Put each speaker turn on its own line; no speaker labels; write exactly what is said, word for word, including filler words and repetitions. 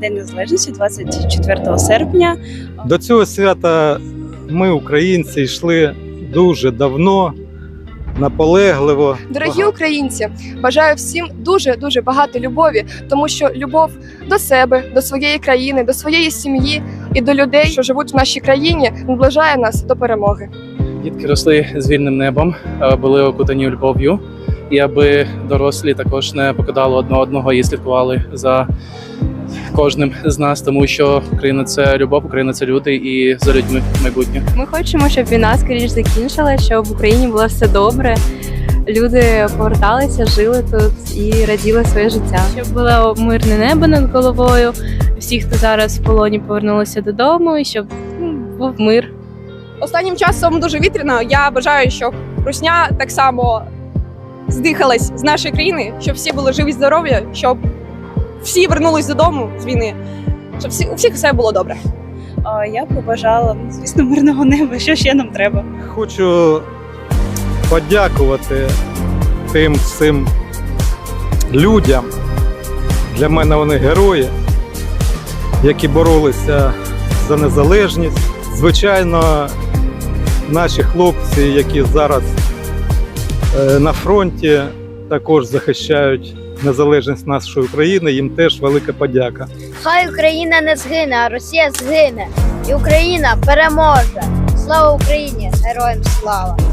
День Незалежності, двадцять четвертого серпня.
До цього свята ми, українці, йшли дуже давно, наполегливо.
Дорогі українці, бажаю всім дуже-дуже багато любові, тому що любов до себе, до своєї країни, до своєї сім'ї і до людей, що живуть в нашій країні, наближає нас до перемоги.
Дітки росли з вільним небом, були окутані любов'ю, і аби дорослі також не покидали одне одного і слідкували за кожним з нас, тому що Україна – це любов, Україна – це люди і за людьми майбутнє.
Ми хочемо, щоб війна скоріш закінчилася, щоб в Україні було все добре, люди поверталися, жили тут і раділи своє життя. Щоб було мирне небо над головою, всі, хто зараз в полоні, повернулися додому, і щоб ну, був мир.
Останнім часом дуже вітряно. Я бажаю, щоб русня так само здихалась з нашої країни, щоб всі були живі, здорові, щоб всі вернулись додому з війни, щоб всі, у всіх все було добре.
А Я побажала, ну, звісно, мирного неба. Що ще нам треба?
Хочу подякувати тим всім людям, для мене вони герої, які боролися за незалежність. Звичайно, наші хлопці, які зараз на фронті, також захищають незалежність нашої України, їм теж велика подяка.
Хай Україна не згине, а Росія згине. І Україна переможе. Слава Україні! Героям слава!